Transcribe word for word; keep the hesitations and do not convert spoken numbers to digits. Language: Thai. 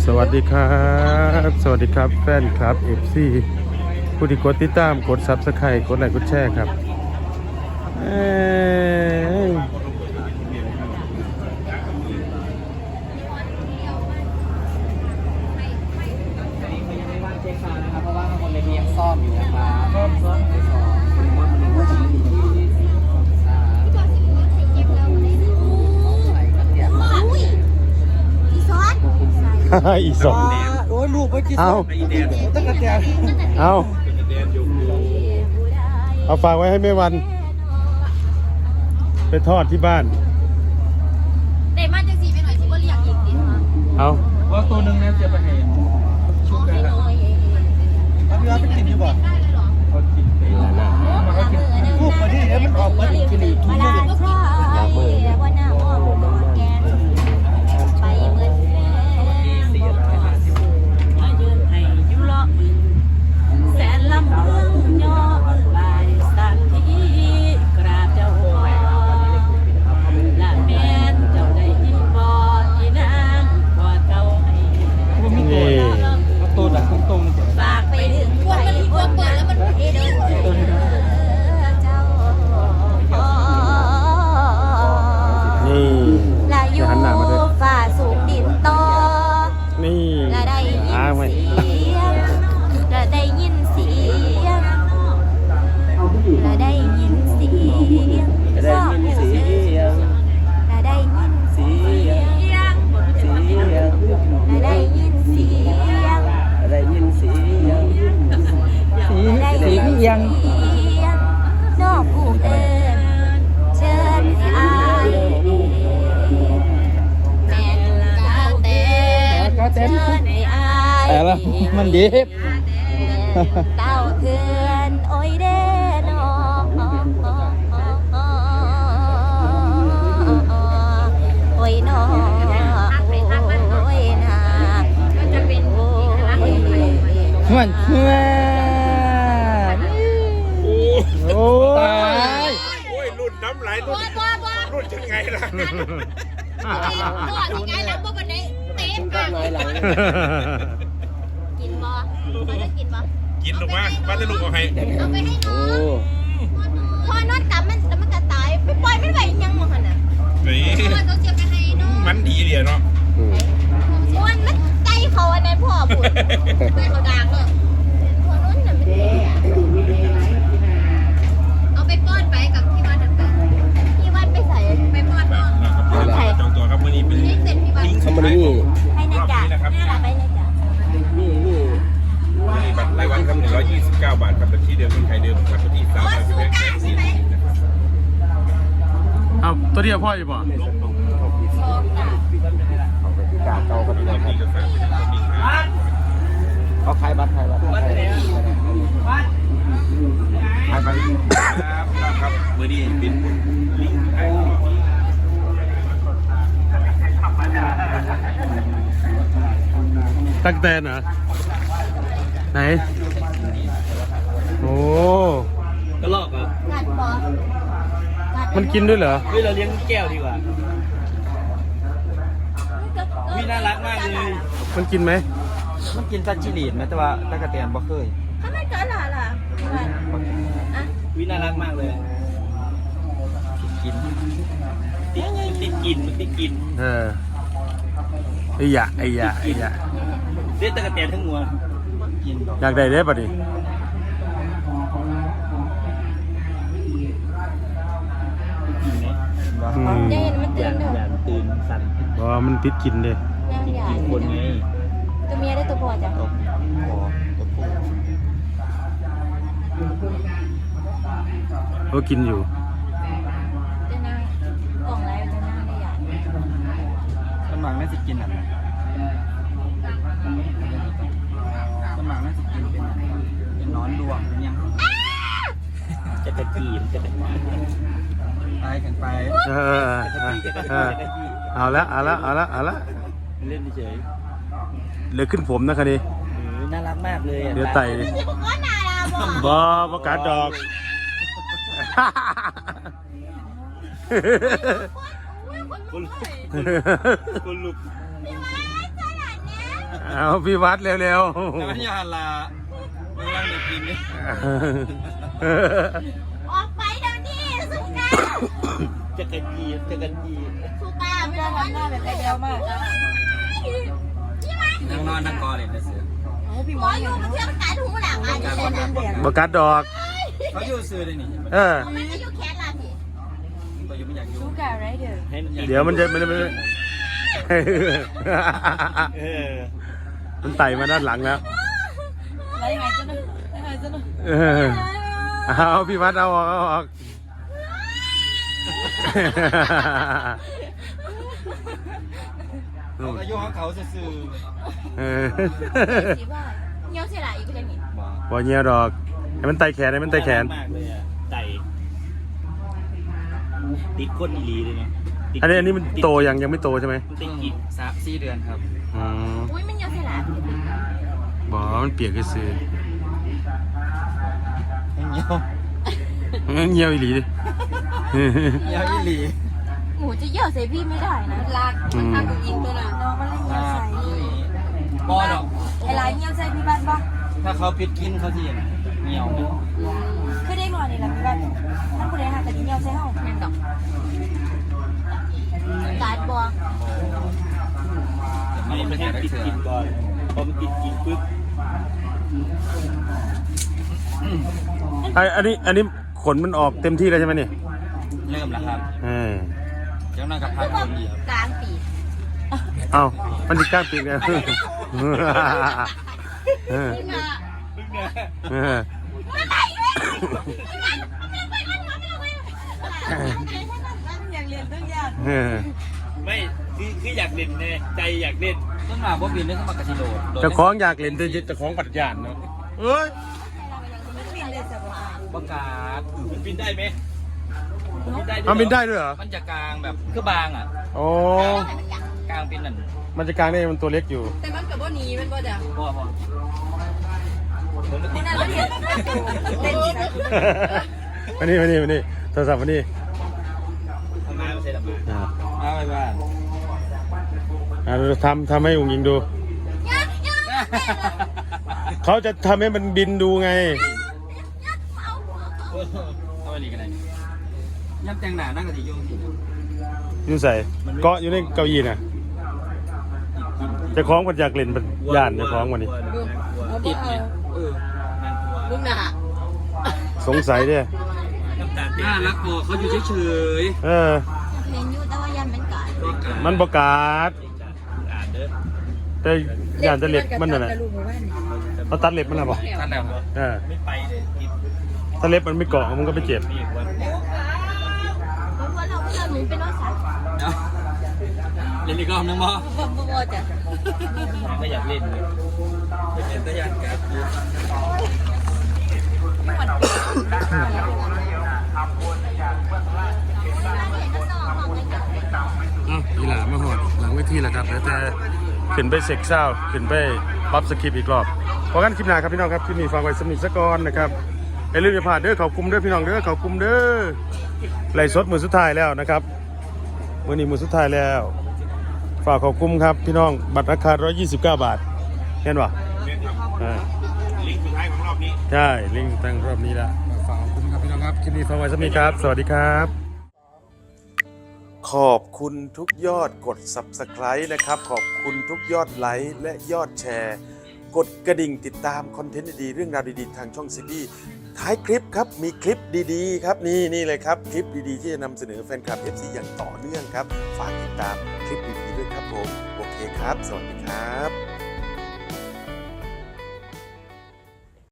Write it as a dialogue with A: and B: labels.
A: สวัสดีครับสวัสดีครับแฟนคลับ เอฟ ซี ผู้ที่กดติดตามกด ซับสไครบ์ กดไลค์กดแชร์ครับเอ้ย
B: เพราะว่าคนในนี้ยังซ่อมอยู่นะครับซ่อมซ่อมไปซ่อมคุณว่ามันว่าดีดี
A: อีสอง
B: โอ้ยลูกไปกิน
A: เอา
B: ตั้งแต่
A: เอาเอาฝากไว้ให้แม่วันไปทอดที่บ้าน
C: เด็กมาจังสีไปหน่อยสิว่าเรียกอีกดิ
A: เอา
B: ว่าตัวหนึ่งนะจะไปเห็นชุบเลยครับเอาพี่ว่าไปกินดีกว่าเขากินไปแล้วนะมันก็กินลูกมาที่นี่มันออกมากินกินอีกทีนึง
C: อยากเปิดว่าหน้าอ้อมโดนแกนไปเหมือนแม่มายืนให้ยุเลาะบึงแสนลำเมืองย่อลายสันที่กราบเจ้าพ่อละแม่นเจ้าได้ยินบ่อีนางกอดเก่าให้
B: มีตัวเอาตัวดักตรงๆ
C: ฝากไปถึงใครคนเปิดแล้วมันเอเดินเจ้าพ่อ
A: นี่
C: และอยู่
A: หันหน้ามาด้วย
C: ฝ่าสูงดินต่อ
A: นี่
C: และได้ยิน
A: อ้างไว้
C: เสียงและได้ยินเสียงและได้ยินเสียง
B: ได้ยินเสียง
C: และได้ยินเสียง
B: เสียง
C: และได้ยินเสียง
B: ได้ยินเสียงสี
C: และได้
B: สี
C: ยิน
B: เอียง
C: เสียงนอกผู้เอิญเชิญให้อายแม่นกาเต้นเชิญให้อาย
B: แต่ละมันดี
C: เต้าเถื่อนโอ้ยเด้นอโอ้ยนอโอ้ยนาโอ้ย
B: มันเพื่อนโอ้ตาย
A: โอ้ยรุ่นน้ำไหลรุ่นรุ่นยังไงล่ะ
C: ก่อนยังไงแล้วบ่บันไดเต็มอ่ะกินบ่เขาจะกินบ่
A: กินลงมาบ้านจะลูกเอาให้
C: เอาไปให้น้องพอนอนกลับมันแล้วมันจะตายไปปล่อยไม่ไหวยังมั้งน่ะ
A: นี่
C: เขาเสียไปให้น้อง
A: มันดีเดียวเนาะ
C: มันมันใจเขาอันนั้นพ่อพูดใจเขาดังเนอะพอนู้นน่ะมันเอาไปป้อนไปกับพี่วัดไปพี่วัดไปใส่ไปป้อน
A: แบ
C: พ่อบ
A: นะครับจองตัวครับมื้อนี้เป็น
C: นี่เสร็จพี่วัด
A: ลิงก์สุดท้ายของ
C: ให้นายจ่าให้เราไปนายจ่า
B: นี่นี่
A: มื้อนี้บัตรรายวันครับหนึ่งร้อยยี่สิบเก้าบาทครับบัญชีเดิมเมืองไทยเดิมครับบัญชีสามร้อยสิบแปดแสนสี่เอาตัวเดียวพ่ออยู่บ่
C: โชคจ้ะ
B: เขาไปที่กาเก่าก็ดีครับเขาขายบัตรขายบัตรขายบัตร
A: ครับครับมื้อนี้เป็นลิงก์ไทยตั้งแต่เหรอไหนโอ้
B: กระลอกอ่ะ
C: กัดบอกัด
A: มันกินด้วยเหรอ
B: เฮ้ยเราเลี้ยงแก้วดีกว่าวิน่ารักมากเลย
A: มันกินไหม
B: มันกินซัดจิลีดไหมแต่ว่าตะกะแตนบ่เคย
C: ทำไมเกิดหล่ะล่ะอ่ะ
B: วิน่ารักมากเลยติดกินติดติดกินมันติดกิน
A: เออไอ้ยะไอ้ยะไอ้ยะ
B: เล่นตะกะแตนทั้งมวลกินดอก
A: อยากได้เด้ป่ะดิ
B: กินไหม
A: อืม
C: จะเห็นมัน
B: อ
C: ตื่
B: ย่าน ง
C: เด้อ
B: อย่างตื่นสั่น
A: เพราะว่ามันติดกินเด้
C: นางใหญ่
B: กินคนไง
C: ตัวเมียได้ตัวพ่อจ้ะ
B: เอาขอตะปู
A: เขากินอยู่
C: จะนางกล่องไรจะนางได้ใหญ่
B: สมังน่าจะกินอ่ะสมังน่าจะกินเป็นเป็นนอนดวงเป็นยังจะตะกี้จะตะกี้ไปกันไป
A: เออเออเออเออเอาละเอาละเอาละเอาละ
B: เล่นเฉย
A: เหลือขึ้นผมนะคะนี่
B: น่ารักมากเลย
A: เหลือไต
C: ที่บอกว่านาลาบอก
A: บอประกาศดอก
B: คนลุกคนลุก
C: พี่ว่าอะไรขนาดเนี้ย
A: เอาพี่วัดเร็ว
B: แต่มันยาลามันร่างเด็กกินนี่
C: ออกไปเดี๋ยวนี้สุกา
B: จะกระจีจะกระจี
C: สุกาไม่ได้ทำหน้าแบบเดียวมากพี่มา
B: นั่งนอนนั่งกอเลยนะเสือ
C: หมออยู่มันเชื่อมันกัดหูหลังอ่ะจะเป็นแดง
A: บกัดดอก
B: เขาอยู่ซื้อเลยนี่
A: เออ
C: มันจะอยู่แขนล่ะพี่
B: ตัวอยู่ไม่อยากอยู่
C: สุกาไรเด้อ
A: เดี๋ยวมันจะมันมัน
B: เออ
A: มันไต่มาด้านหลังแล้ว
C: ไรยังไงจ๊ะนะยังไงจ๊ะนะ
A: เออเอาพี่วัดเอาออกเอาออก
B: เขาอายุของเขาซื่อ
A: เออ
C: สีว่าเงี้ยวเสียหลายอีกเลยนี่
B: ๆบอก
A: บ่เงี้ยดอกให้มันไต่แขนให้มันไต่แขน
B: มากเลยอ่ะไต่ติดก้นอีลีเลยเนาะ
A: อันนี้อันนี้มันโตยังยังไม่โตใช่ไหม
B: ติดกี่สามสี่เดือนครับ
A: อ๋อ
C: อุ้ยมันเงี้ยวเสียหลาย
A: บ่มันเปียกก็ซื้อ
B: เงี้ยว
A: มันเงี้ยวอีหลีดิ
B: เงี้ยวอีลี
C: หมูจะเยี่ยวใส่พี่ไม่ได้นะลากมันทำยิงตัวน่ะน้องมันเลยเงี้ยวใส่
B: บอดอก
C: ไอ้ลายเงี้ยวใส่พี่บ้านปะ
B: ถ้าเขาปิดกินเขาที่ไหนเงี้ยวไหม
C: คือได้หน่อยนี่แหละพี่บ้านนั่นคนเดียวหาแต่เงี้ยวใส่ห้องนั่นดอกการบัว
B: ไม่ไม่ใช่ติดกินก่อนพอมันติดกินปุ๊บ
A: ไออันนี้อันนี้ขนมันออกเต็มที่แล้วใช่ไหมเนี่ย
B: เริ่มแล้วครับ
A: เออ
B: เจ้านั่งกับพั
C: คื
B: ก
C: อว่า
B: คนเดียว
C: กลางปี
A: เอามันจะกล้างปีกเนี่ย เออ
C: นี่นะ
A: เออ
C: อยากเรียนต้องยาก
A: เออ
B: ไม่คือคืออยากเล่นแน่ใจอยากเล่นต้นมาบ่บินเล่นต้นมากระชิโดด
A: เจะคล้าของอยากเล่นแต่เจะคล้าของปัดยานเนาะเอ้ย
C: มันบินเลยจ้ะบ่
B: ประกาศมันบินได้ไหมบินได้
A: มันบินได้ด้วยเหรอ
B: มันจะกลางแบบคือบางอ่ะ
A: โอ้
B: กลางเป็นนั่น
A: มันจะกลางได้มันตัวเล็กอยู่
C: แต่มันกับว่านี้มันก็จะ
B: พ่อพ่อผมไม่ติด
C: นั่นแล้วเรียนเต้นดีนะ
A: มานี่มานี่มานี่โทรศัพท์มานี่
B: ทำงานไม่ใช่หรอ
A: อ่า
B: มาไปบ้าน
A: อ่าเราทำทำให้อุ๋งยิงดู เขาจะทำให้มันบินดูไง
B: เอาไปหลีกันไหนย่ำแตงหนานั่งกับที่โยงสิ
A: อยู่ใส่เกาะอยู่ในเก้าอี้น่ะเจะคล้าของปัดอยากเล่นปัดยานเจะคล้าของวันนี้
B: ติดไหมเออนั่นตัว
C: ลุงหนา
A: สงสัยเนี่ย
B: น้ำตาลน่ารักพอเขาอยู่เฉย
A: เออ
C: เห็นอยู่แต่ว่ายันเป็นกาด
A: มันประกาศ
B: อ่านเด้อ
A: แต่ยานจะเล็บมันน่ะนะเขาตัดเล็บมันน่ะบ่
B: ท่านแล้ว
A: เออ
B: ไม่ไปเลยติด
A: ถ้าเล็บมันไม่เกาะมันก็ไม่เจ็บ
B: นี่วัน
C: เพราะว่าเราเพื่อนหนูเป็นน้องสาว
B: เล่นอีกรอบนึงบ่
C: บ่บ่บ่จ้ะ
B: ก็อยากเล่นเลยไม่เป็นตะยานการ์ด
A: อ้าวอีหลามาหอดหลังเวทีแล้วครับแล้วแต่ขึ้นไปเซ็กเศร้าขึ้นไปปรับสคริปต์อีกรอบเพราะงั้นคลิปหน้าครับพี่น้องครับคลิปนี้ฟังไว้สำนิทสะก่อนนะครับอย่าลืมอย่าพลาดเด้อเขากลุ่มเด้อพี่น้องเด้อเขากลุ่มเด้อไล่สดมือสุดท้ายแล้วนะครับมื้อนี้มือสุดท้ายแล้วฝากเขากลุ่มครับพี่น้องบัตรราคาหนึ่งร้อยยี่สิบเก้าบาทเห็นป่ะอ่า
B: ลิงก์สุดท้ายของรอบนี้
A: ใช่ลิงก์ตั้งรอบนี้ละฝากเขากลุ่มครับพี่น้องครับคลิปนี้ฟังไว้สำนิทครับสวัสดีครับ ขอบคุณทุกยอดกด ซับสไครบ์ นะครับขอบคุณทุกยอดไลค์และยอดแชร์ กดกระดิ่งติดตามคอนเทนต์ดีๆเรื่องราวดีๆทางช่องซีบีท้ายคลิปครับมีคลิปดีๆครับนี่นี่เลยครับคลิปดีๆที่จะนำเสนอแฟนคลับ เอฟ ซี อย่างต่อเนื่องครับฝากติดตามคลิปดีๆด้วยครับผมโอเคครับสวัสดีครับ